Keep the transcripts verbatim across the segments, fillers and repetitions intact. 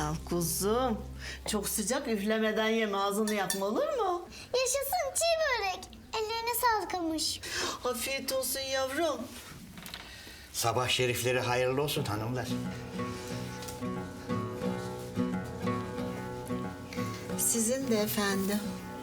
Al kuzum. Çok sıcak, üflemeden yeme, ağzını yakma, olur mu? Yaşasın çiğ börek. Ellerine sağlık Amuş. Afiyet olsun yavrum. Sabah şerifleri hayırlı olsun hanımlar. Sizin de efendim.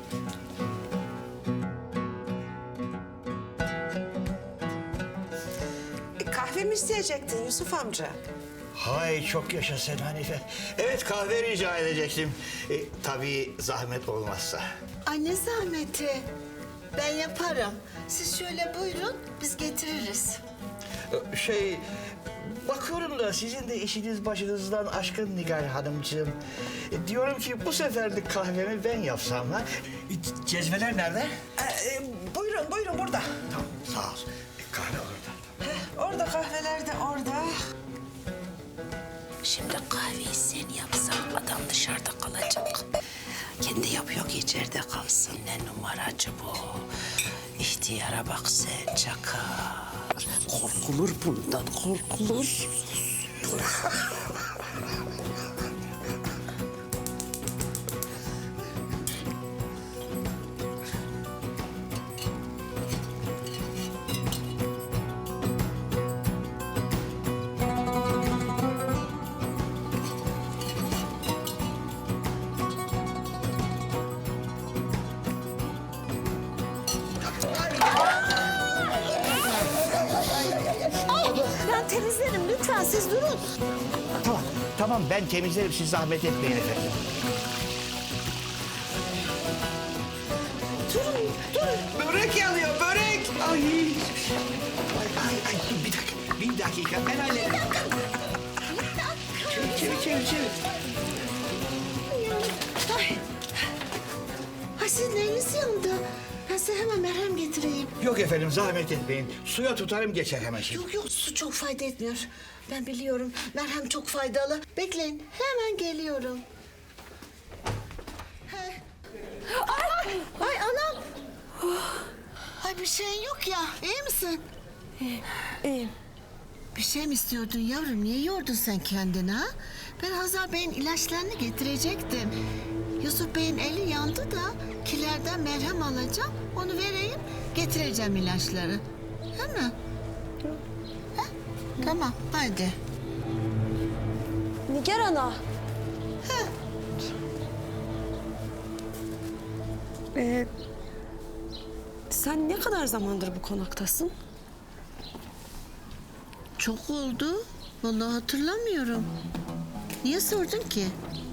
E, kahve mi isteyecektin Yusuf amca? Hay çok yaşasın Hanife. Evet kahve rica edecektim. E, tabii zahmet olmazsa. Ay ne zahmeti. Ben yaparım. Siz şöyle buyurun, biz getiririz. E, Şey... Bakıyorum da sizin de işiniz başınızdan aşkın Nigar Hanımcığım. E, diyorum ki bu seferlik kahvemi ben yapsam ha. E, Cezveler nerede? E, e, buyurun buyurun burada. Tamam sağ ol. E, kahve orada. Heh, orada kahveler de orada. Şimdi kahveyi sen yapsan adam dışarıda kalacak. Kendi yapıyor ki içeride kalsın. Ne numaracı bu. İhtiyara bak sen çakar. Korkulur bundan, korkulur. Ben temizlerim, lütfen siz durun. Tamam, tamam ben temizlerim siz zahmet etmeyin efendim. Durun, durun. Börek yanıyor börek. Ay. Ay, ay, bir dakika, bir dakika ben hallederim. Çevir, çevir, çevir, çevir. Ay. Ay sizin eliniz yandı. Ben size hemen merhem getireyim. Yok efendim zahmet etmeyin. Suya tutarım geçer hemen şimdi. Yok yok, su çok fayda etmiyor. Ben biliyorum, merhem çok faydalı. Bekleyin, hemen geliyorum. He. Ay, ay anam. Ay bir şeyin yok ya, iyi misin? İyiyim. Bir şey mi istiyordun yavrum? Niye yordun sen kendini ha? Ben Hazar Bey'in ilaçlarını getirecektim. Yusuf Bey'in eli yandı da kilerden merhem alacağım. Onu vereyim, getireceğim ilaçları. Değil mi? Ha? Tamam, hadi. Nigar ana. Ee, sen ne kadar zamandır bu konaktasın? Çok oldu. Vallahi hatırlamıyorum. Niye sordun ki?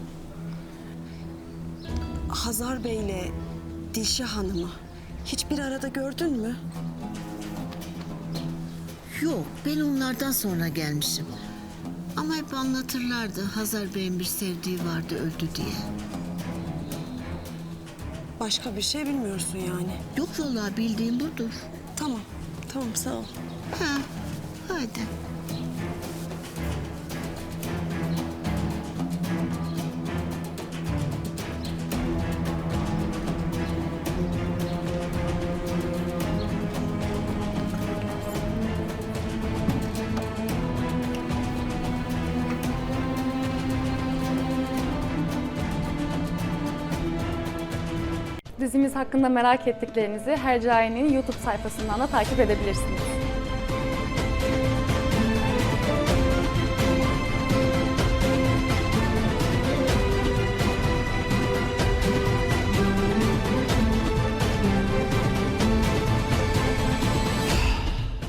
Hazar Bey'le Dilşah Hanım'ı hiç bir arada gördün mü? Yok, ben onlardan sonra gelmişim. Ama hep anlatırlardı. Hazar Bey'in bir sevdiği vardı, öldü diye. Başka bir şey bilmiyorsun yani. Yok vallahi, bildiğim budur. Tamam, tamam sağ ol. Ha, hadi. Dizimiz hakkında merak ettiklerinizi Hercai'nin YouTube sayfasından da takip edebilirsiniz.